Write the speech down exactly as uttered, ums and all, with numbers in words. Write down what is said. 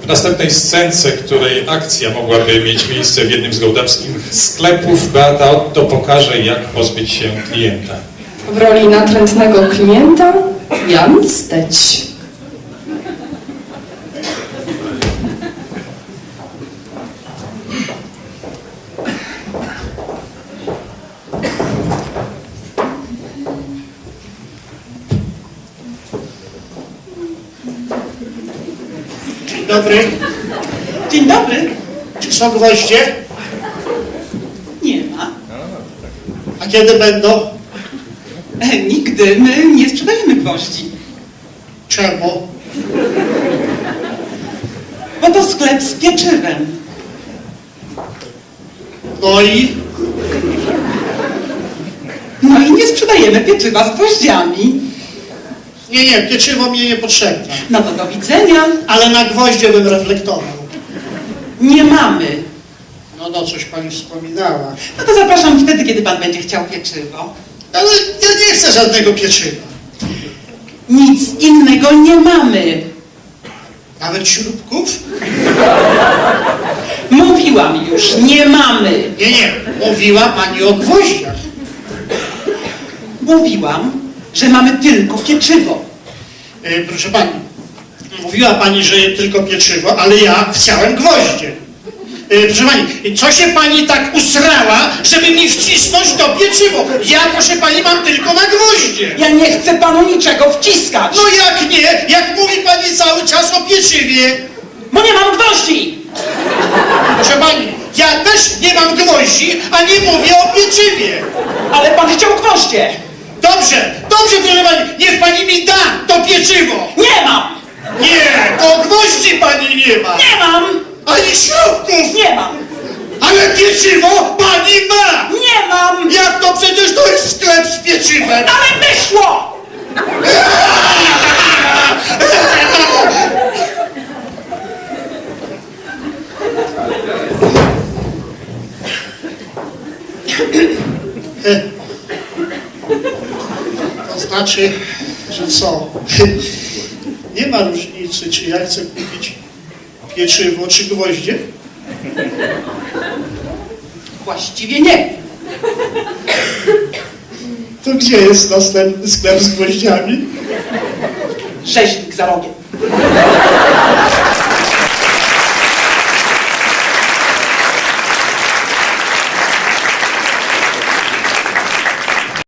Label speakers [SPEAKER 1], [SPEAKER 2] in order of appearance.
[SPEAKER 1] W następnej scence, której akcja mogłaby mieć miejsce w jednym z gołdapskich sklepów, Beata Otto pokaże, jak pozbyć się klienta.
[SPEAKER 2] W roli natrętnego klienta Jan Steć.
[SPEAKER 3] Dzień dobry.
[SPEAKER 4] Dzień dobry.
[SPEAKER 3] Czy są gwoździe?
[SPEAKER 4] Nie ma.
[SPEAKER 3] A kiedy będą?
[SPEAKER 4] E, nigdy. My nie sprzedajemy gwoździ.
[SPEAKER 3] Czemu?
[SPEAKER 4] Bo to sklep z pieczywem.
[SPEAKER 3] No i?
[SPEAKER 4] No i nie sprzedajemy pieczywa z gwoździami.
[SPEAKER 3] Nie, nie, pieczywo mnie nie potrzebne.
[SPEAKER 4] No to do widzenia.
[SPEAKER 3] Ale na gwoździe bym reflektował.
[SPEAKER 4] Nie mamy.
[SPEAKER 3] No, no, coś pani wspominała.
[SPEAKER 4] No to zapraszam wtedy, kiedy pan będzie chciał pieczywo.
[SPEAKER 3] Ale ja nie chcę żadnego pieczywa.
[SPEAKER 4] Nic innego nie mamy.
[SPEAKER 3] Nawet śrubków?
[SPEAKER 4] Mówiłam już, nie mamy.
[SPEAKER 3] Nie, nie, mówiła pani o gwoździach.
[SPEAKER 4] Mówiłam, że mamy tylko pieczywo.
[SPEAKER 3] E, proszę pani, mówiła pani, że tylko pieczywo, ale ja chciałem gwoździe. E, proszę pani, co się pani tak usrała, żeby mi wcisnąć to pieczywo? Ja, proszę pani, mam tylko na gwoździe.
[SPEAKER 4] Ja nie chcę panu niczego wciskać.
[SPEAKER 3] No jak nie? Jak mówi pani cały czas o pieczywie?
[SPEAKER 4] Bo nie mam gwoździ.
[SPEAKER 3] Proszę pani, ja też nie mam gwoździ, a nie mówię o pieczywie.
[SPEAKER 4] Ale pan chciał gwoździe.
[SPEAKER 3] Dobrze, dobrze, proszę pani, niech pani mi da to pieczywo.
[SPEAKER 4] Nie mam.
[SPEAKER 3] Nie, to gwoździ pani nie ma.
[SPEAKER 4] Nie mam.
[SPEAKER 3] Ani śrubków.
[SPEAKER 4] Nie mam.
[SPEAKER 3] Ale pieczywo pani ma.
[SPEAKER 4] Nie mam.
[SPEAKER 3] Jak to przecież to jest sklep z pieczywem.
[SPEAKER 4] Ale wyszło.
[SPEAKER 3] To znaczy, że co? Nie ma różnicy, czy ja chcę kupić pieczywo, czy gwoździe?
[SPEAKER 4] Właściwie nie.
[SPEAKER 3] To gdzie jest następny sklep z gwoździami?
[SPEAKER 4] Rzeźnik za rogiem.